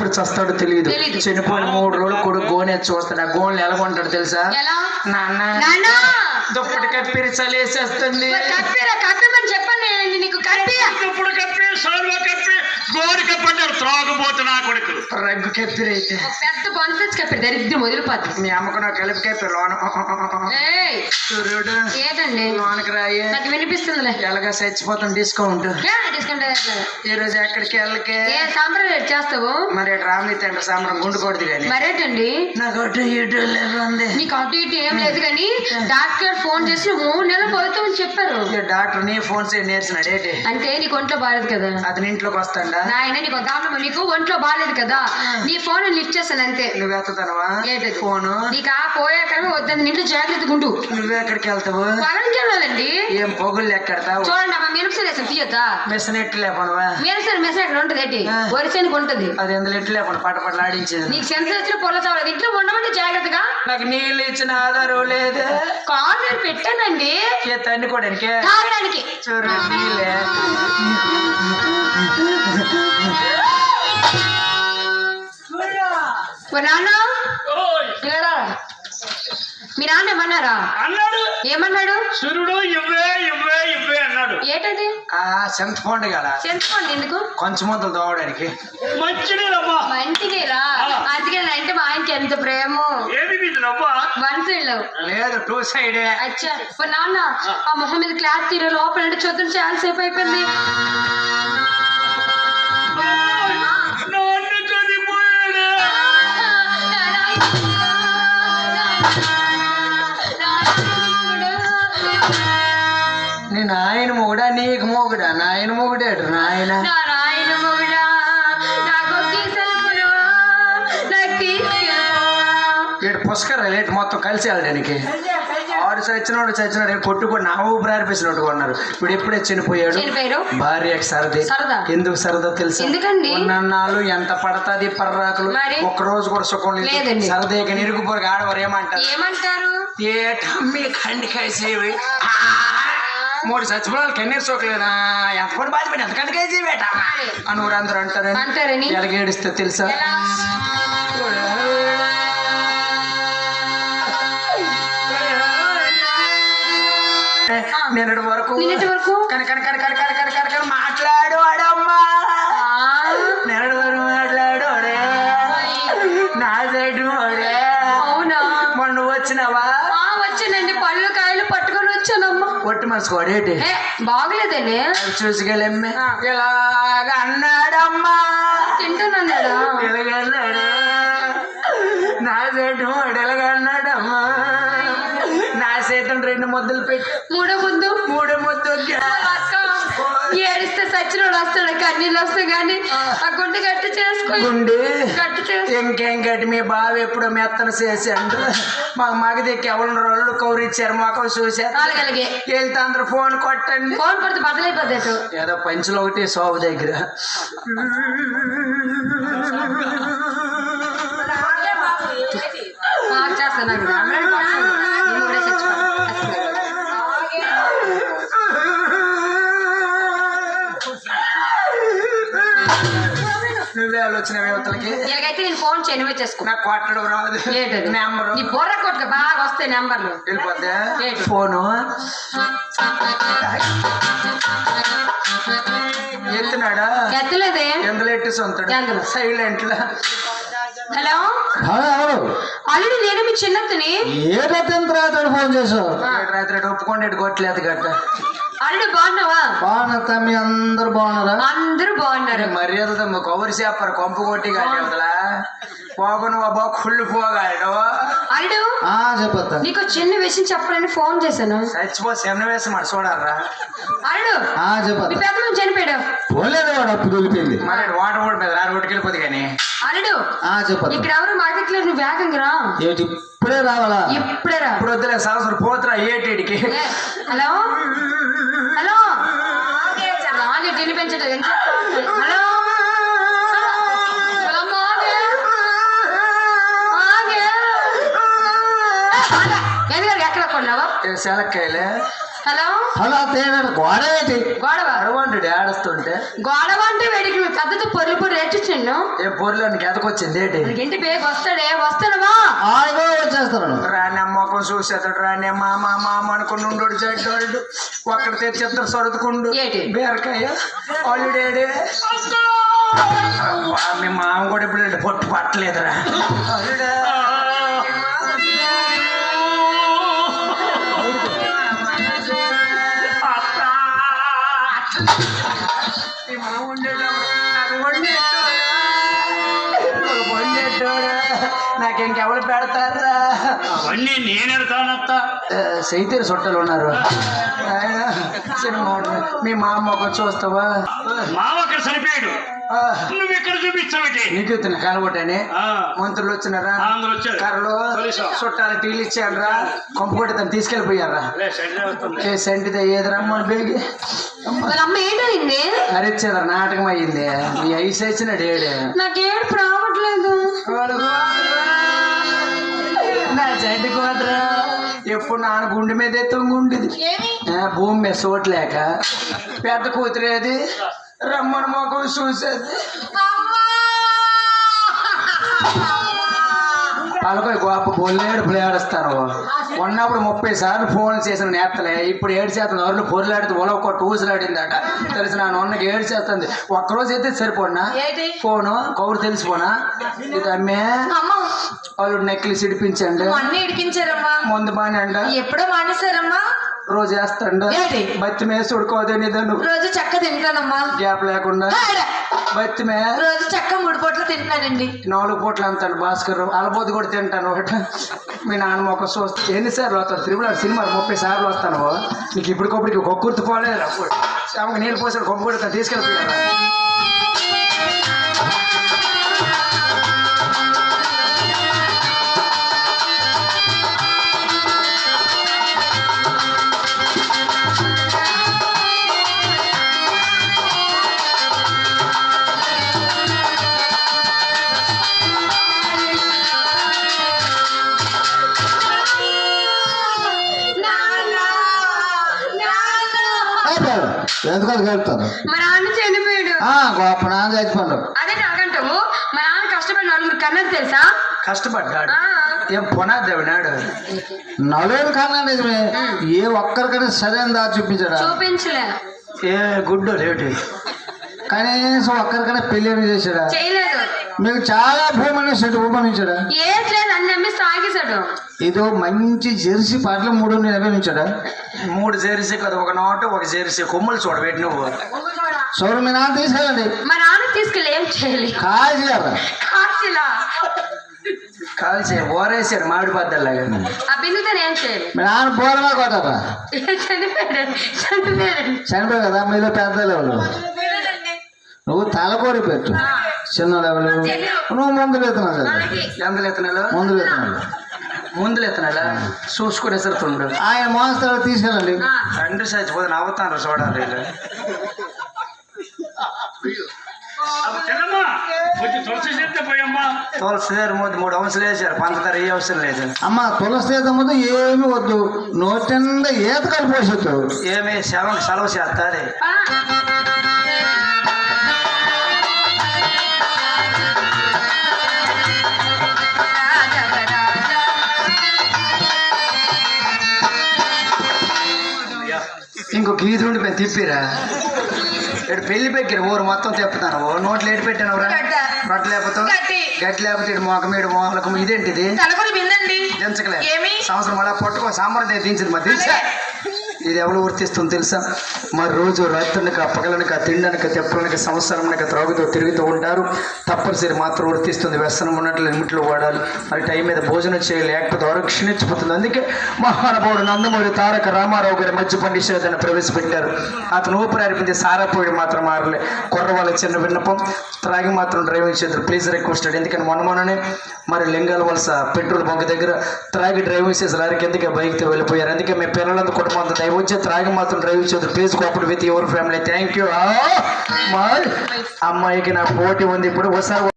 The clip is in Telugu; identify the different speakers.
Speaker 1: చస్తాడో తెలియదు. చనిపోయిన 3 రోజులు కొడుకు గోనె చూస్తాడు. ఆ గోన్లు ఎలా కొంటాడు తెలుసా? నాన్న దుప్పటి కప్పిరి చలేసేస్తుంది.
Speaker 2: చెప్పండి నీకు
Speaker 3: దుప్పటి కప్పి సాల్వా కప్పి గోడి కప్పంటారు త్రాగుబోతు నా కొడుకు.
Speaker 1: రగ్గు కప్పిరి అయితే
Speaker 2: పెద్ద బొంత కప్పిరి దరిద్రం వదిలిపోద్ది.
Speaker 1: మీ అమ్మకు నాకు కలిపి కప్పిరి లోన సూర్యుడు
Speaker 2: ఏంటండి
Speaker 1: లోనకి రాయి
Speaker 2: నాకు వినిపిస్తుంది.
Speaker 1: ఎలాగా చచ్చిపోతాం. డిస్కౌంట్ ఈ రోజు ఎక్కడికి వెళ్ళకే
Speaker 2: సాంబ్రాన్ చేస్తావు
Speaker 1: మరి రామి తండ్రి సాంబ్రం గుండుకోడదు కానీ
Speaker 2: మరేటండి
Speaker 1: నాకు అటు ఇటు లేదు.
Speaker 2: నీకు అటు ఇటు ఏం లేదు కానీ డాక్టర్ ఫోన్ చేసి 3 నెలలు పోతామని చెప్పారు.
Speaker 1: డాక్టర్ నీ ఫోన్ నేర్చినాడు ఏంటి
Speaker 2: అంటే నీకు ఒంట్లో బాగాలేదు కదా.
Speaker 1: అతని ఇంట్లోకి వస్తాడా?
Speaker 2: నాయన నీకు దాంట్లో నీకు ఒంట్లో బాగాలేదు కదా. నీ ఫోన్ లిఫ్ట్ చేస్తాను అంతే.
Speaker 1: నువ్వు ఎత్తుతానవా
Speaker 2: ఏంటది
Speaker 1: ఫోను?
Speaker 2: నీకు ఆ పోయాక వద్దని ఇంట్లో జాగ్రత్తగా ఉండు.
Speaker 1: నువ్వు ఎక్కడికి వెళ్తావు?
Speaker 2: పొలంకి వెళ్ళాలండి.
Speaker 1: ఏం పొగుళ్ళు ఎక్కడతావు?
Speaker 2: చూడండి అమ్మ మినపసలు వేసాను తీయొద్దా?
Speaker 1: మెసనెట్టు లేపనవా?
Speaker 2: మెసన్ ఎక్కడ ఉంటది ఏంటి వరిసేనికి ఉంటది.
Speaker 1: అది ఎందులో ఎట్టు లేపన పటపటలు ఆడించేది.
Speaker 2: నీకు సెన్స్ వచ్చిన పొల చావలేదు. ఇంట్లో ఉండమంటే జాగ్రత్తగా.
Speaker 1: నాకు నీళ్ళు ఇచ్చిన ఆధారం లేదు.
Speaker 2: కాల్ నేను పెట్టానండి
Speaker 1: తండుకోవడానికి
Speaker 2: తాగడానికి.
Speaker 1: చూడు నీళ్ళే
Speaker 2: నాన్న మీ నాన్న ఏమన్నారా?
Speaker 3: అన్నాడు.
Speaker 2: ఏమన్నాడు?
Speaker 3: సూర్యుడు ఇవ్వే ఇవ్వే ఇవ్వే అన్నాడు.
Speaker 2: ఏంటది?
Speaker 1: చింతపండు కదా.
Speaker 2: చింతపండు ఎందుకు?
Speaker 1: కొంచెం మందులు తోమడానికి.
Speaker 3: మంచినీరమ్మా.
Speaker 2: మంచినీరా? అందుకే అంటే మా ఆయనకి ఎంత ప్రేమ.
Speaker 3: ఏమి మీదమ్మా?
Speaker 2: 1 సైడ్
Speaker 1: లేదు 2 సైడే.
Speaker 2: అచ్చా నాన్న ఆ మొహం మీద క్లాత్ తీర లోపల అంటే చూద్దాం చాలా సేపు అయిపోయింది.
Speaker 1: నీ నాయన మొగుడా నీకు మొగుడా? నాయన మొగుడేడు నాయన ఇటు పుష్కర రేటు మొత్తం కలిసి వెళ్ళడానికి. ఆడు చచ్చినాడు కొట్టుకొని నా ఊపిరి ఆరిపేసినట్టు కొన్నారు. ఇప్పుడు ఎప్పుడే చనిపోయాడు. భార్యకి సరది. ఎందుకు సరదా తెలుసా? ఉన్నన్నాళ్ళు ఎంత పడతాది పర్రాకులు. ఒక్కరోజు కూడా సుఖం లేదు. సరదాగా నిరుగుపోరు ఆడవారు ఏమంటారు? ఏటమ్మి కండికాయసేవి 3 చచ్చిపోవాలి కన్నీరు సోకలేదా? ఎంత పడి బాధపడి ఎంత కండికాయసేవేట అని ఊరందరూ అంటారని ఎలాగేడిస్తే తెలుసా? నిన్నటి వరకు కనకన మాట్లాడు అడమ్మా. నిన్నటి వరకు మాట్లాడు అడే నా సైడ్ అడే.
Speaker 2: అవునా?
Speaker 1: మొన్న వచ్చినావా?
Speaker 2: వచ్చానండి. పళ్ళు కాయలు పట్టుకొని వచ్చానమ్మా.
Speaker 1: ఒట్టి మనసు వాడేటి
Speaker 2: బాగలేదండి.
Speaker 1: చూసుకెళ్ళమ్మే ఇలాగ అన్నాడమ్మా.
Speaker 2: తింటానన్నాడా?
Speaker 1: ఇలాగన్నాడు నా సైడ్ వాడు ఎలాగన్నాడమ్మా. నా సైతం 2 ముద్దలు పెట్టి 3 ముద్దు
Speaker 2: ఏడిస్తే సచ్చినోడు వస్తాడు. కన్నీళ్ళు వస్తాయి కానీ ఆ గుండె గట్టి చేసుకో.
Speaker 1: ఇంకేం గట్టి మీ బావ ఎప్పుడో మెత్తన చేశాడు. మా మగదికి ఎవరు రోళ్ళు కౌరిచ్చారు మొక్కలు చూశారు. వెళ్తే అందరూ ఫోన్ కొట్టండి.
Speaker 2: ఫోన్ కొడితే బదులైపోద్ది.
Speaker 1: ఏదో పంచులు ఒకటి సోపు దగ్గర నువ్వే ఆలోచన యువతలకి.
Speaker 2: ఇలాగైతే నేను ఫోన్ చేయను చేసుకో.
Speaker 1: నాకు కొట్టడం రాదు. నెంబరు
Speaker 2: నీ బొర్ర కొట్టుక బాగా వస్తాయి నెంబర్లు.
Speaker 1: వెళ్ళిపోద్దా ఫోను? ఎత్తున్నాడా?
Speaker 2: ఎత్తలేదే.
Speaker 1: ఎందులో ఎట్టేసి ఉంటాడు సైలెంట్ లా.
Speaker 2: హలో అల్లుడు నేను మీ చిన్నత్తని.
Speaker 1: ఏ రాత్రి ఫోన్ చేసావు? రాత్రి ఒప్పుకోండి కొట్టలేదు గట్ట.
Speaker 2: అల్లుడు బాగున్నావా?
Speaker 1: బాగున్నా. మీ అందరు బాగున్నారా?
Speaker 2: అందరూ బాగున్నారు.
Speaker 1: మర్యాదతో కవర్ చేపారు కొంప కొట్టి కాదా పోగను బాబా కుళ్ళు పోగాడు.
Speaker 2: అల్లుడు
Speaker 1: చెప్పొద్దా?
Speaker 2: నీకు చిన్న విషయం చెప్పాలని ఫోన్ చేశాను.
Speaker 1: చచ్చిపో చిన్న వేసం మరి చూడాలరా.
Speaker 2: అల్లుడు చెప్పదు పెద్ద చనిపోయాడు.
Speaker 1: పోలేదు వాడు అప్పుడు వెళ్ళిపోయింది. మరి వాటర్ కూడా మీద రోడ్డుకి వెళ్ళిపోతుంది కానీ.
Speaker 2: అల్లుడు చెప్పదు ఇక్కడ ఎవరు మార్కెట్ లో. నువ్వు వేగంగా రా. ఇప్పుడే రావాలా? ఇప్పుడే రా. ఇప్పుడు వద్దులే సంవత్సరం పోతురా ఏటికి. హలో హలో రాగే గిన్నె పెంచట్లేదు. హలో ఎక్కడ కొన్నావా?
Speaker 1: సెలక్కాయలే
Speaker 2: హలో
Speaker 4: హలో గోడ ఏంటి
Speaker 2: గొడవ
Speaker 1: అరవంటుడు ఏడుస్తుంటే
Speaker 2: గొడవ అంటే వేడికి పెద్దతో పొర్లు పొర్లు ఏడ్చిచ్చిండు
Speaker 1: ఏ పొర్లో నీకు ఎదకొచ్చింది ఏంటి
Speaker 2: ఇంటి బేగ్ వస్తాడవా
Speaker 4: ఆగో వచ్చేస్తాను
Speaker 1: రాని మొక్కం చూసేస్తాడు రాని మామ మామ అనుకుని ఉండోడు చెడ్డోడు ఒక్కడ తెచ్చేస్తారు సొరదుకుండు
Speaker 2: ఏంటి?
Speaker 1: బీరకాయ ఆల్రెడీ మీ మామ కూడా ఇప్పుడు పొట్టు పట్టలేదురా అల్లుడే. మీ మామ వండేటోడా నాకు ఇంకెవరు పెడతారా
Speaker 3: అవన్నీ నేనెడతానత్తా
Speaker 1: సైతేరు సొట్టలు ఉన్నారు ఆయన సినిమా ఉంటుంది. మీ మా అమ్మ ఒక చూస్తావా
Speaker 3: మావ అక్కడ చనిపోయాడు నువ్వు ఇక్కడ చూపించావుటి
Speaker 1: నీకు ఇతను కలగొట్టని మంత్రులు వచ్చినారా
Speaker 3: అందరూ వచ్చారు
Speaker 1: కర్రలు చుట్టాలు టీలు ఇచ్చాడరా కొంపకొట్టి తను తీసుకెళ్ళిపోయారా ఏ సెంటిదే ఏది రమ్మని బేగి
Speaker 2: వాళ్ళ అమ్మ ఏంటండి
Speaker 1: అరిచ్చేదరా నాటకం అయ్యింది ఈ ఐసు వచ్చినాడు ఏడే
Speaker 2: నాకేడు రావట్లేదు
Speaker 1: నా జడ్డు కోదరా ఎప్పుడు నాన్న గుండె మీద తొంగుండేది భూమి మీద చోట్లేక పెద్ద కూతురేది రమ్మని మొఖం చూసేది పలకొయి గొప్ప బొల్లేడు పులేడుస్తాను ఉన్నప్పుడు 30 సార్లు ఫోన్ చేసిన నేతలే ఇప్పుడు 7 శాతం ఎవరిని పొరలాడితే ఒలొక్క ఊసులాడిందట తెలిసి నా నొన్నకి 7 చేస్తుంది ఒక్కరోజు అయితే సరిపోనా ఫోను కౌరు తెలిసిపోనా ఇది అమ్మే వాళ్ళు నెక్లెస్ ఇడిపించండి
Speaker 2: అన్ని ఇడిపించారమ్మా
Speaker 1: ముందు బాగా అంట
Speaker 2: ఎప్పుడో మానేశారమ్మా
Speaker 1: రోజు వేస్తాండు బత్తి మీద చూడుకోదే నిదను
Speaker 2: రోజు చక్క తింటానమ్మా
Speaker 1: గ్యాప్ లేకుండా బత్తి మీద
Speaker 2: రోజు చక్క 3 పూటలు తింటానండి
Speaker 1: 4 పూటలు అంటాడు భాస్కర్ అలబోది కూడా తింటాను ఒకటి మీ నాన్న ఒక చూస్తే ఎన్నిసార్లు వస్తాడు తిరుమల సినిమా 30 సార్లు వస్తాను నీకు ఇప్పటికప్పటికి కొక్కుర్తి పోలేదు ఆమెకు నీళ్ళు పోసాడు కొమ్ముడు తీసుకెళ్ళిపోయారు
Speaker 4: ఎందుకని కలుపుతాను
Speaker 2: మా నాన్న చనిపోయాడు
Speaker 4: గొప్ప నాన్న చచ్చిపోయాడు
Speaker 2: అదే నాకంటావు మా నాన్న కష్టపడి 4 కన్నది తెలుసా
Speaker 1: కష్టపడ్డాడు ఏం పునాదేవినాడు
Speaker 4: నలుగురు కన్నా నిజమే ఏ ఒక్కరికైనా సరైన దారి చూపించాడా
Speaker 2: చూపించలే
Speaker 1: ఏ గుడ్డు లేటి
Speaker 4: కనీసం ఒక్కరికైనా పెళ్లి చేశాడా
Speaker 2: చేయలేదు
Speaker 4: మీకు చాలా భూమి సెట్ ఉపమించాడా
Speaker 2: ఏం లేదు అన్ని అమ్మి తాగేశాడు
Speaker 4: ఏదో మంచి జెర్సీ పాటలు 3 నిర్వహించాడా
Speaker 1: 3 జెర్సీ కదా ఒక నోటు ఒక జెర్సీ కొమ్ములు చూడబెట్టి నువ్వు
Speaker 4: చూడు మీ నాన్న తీసుకెళ్ళండి
Speaker 2: మా నాన్న తీసుకెళ్ళి ఏం చేయాలి
Speaker 4: కాల్చారా
Speaker 2: కాచిలా
Speaker 1: కాల్చే ఓరేసాడు మామిడి బద్దల్లాగా
Speaker 2: ఆ బిందుతో ఏం చేయాలి
Speaker 4: మీ నాన్న బోరమా కొట్టారా చనిపోయి కదా మీలో పెద్ద లెవెల్ నువ్వు తలకోరి పెట్టు చిన్న లెవెల్ నువ్వు ముందులు ఎత్తున్నావు కదా
Speaker 1: ఎందులు ఎత్తనాలు
Speaker 4: ముందులు
Speaker 1: ఎత్తనాలా చూసుకునే సరుతుండు
Speaker 4: ఆయన మోస్తాడు తీసుకెళ్ళండి
Speaker 1: తండ్రి చచ్చిపోతే నవ్వుతాను చూడాలి తులసి 3 అంశాలు వేసారు పంచదార ఏ అవసరం లేదు
Speaker 4: అమ్మ తులసి ఈత ముందు ఏమి వద్దు నోటిండా ఈత కలిపోసొద్దు
Speaker 1: ఏమి శవం సెలవు చేస్తాది ఇంకొక ఈదు ఉండి మేము తిప్పిరా ఇక్కడ పెళ్లి పెక్కిరు ఊరు మొత్తం తిప్పుతాను నోట్లు ఏడు పెట్టాను రొట్టె లేకపోతే గట్టి లేకపోతే ఇటు మోక మీడు మోకలకు ఇదేంటిది దించకలే సంవత్సరం అలా పట్టుకో సాంబార్ దించింది మరి తెలుసా ఇది ఎవరు వర్తిస్తుంది తెలుసా మరి రోజు రాత్రునికి పగలనక తిండనక తెప్పలనక సంవత్సరంనక త్రాగుతూ తిరుగుతూ ఉంటారు తప్పనిసరి మాత్రం వర్తిస్తుంది వ్యసనం ఉన్నట్లు లిమిట్లో వాడాలి మరి టైం మీద భోజనం చేయాలి లేకపోతే ఆరోగ్యం క్షీణించిపోతుంది అందుకే మహానుభావుడు నందమూరి తారక రామారావు గారి మద్యపాన నిషేధాన్ని ప్రవేశపెట్టారు అతను ఊపిరారిపించి సారాపోయి మాత్రం మారలే కుర్రవాళ్ళ చిన్న విన్నపం త్రాగి మాత్రం డ్రైవింగ్ చేద్దరు ప్లీజ్ రిక్వెస్టెడ్ ఎందుకని మొన్ననే మరి లింగాల వలస పెట్రోల్ బంక్ దగ్గర త్రాగి డ్రైవింగ్ చేసి లారీకి ఎందుకే బైక్తో వెళ్ళిపోయారు అందుకే మీ పిల్లలంతా కుటుంబం అంతా దయవచ్చే త్రాగి మాత్రం డ్రైవ్ చేద్దరు please cooperate with your family thank you అమ్మాయికి నా పోటీ ఉంది ఇప్పుడు ఒకసారి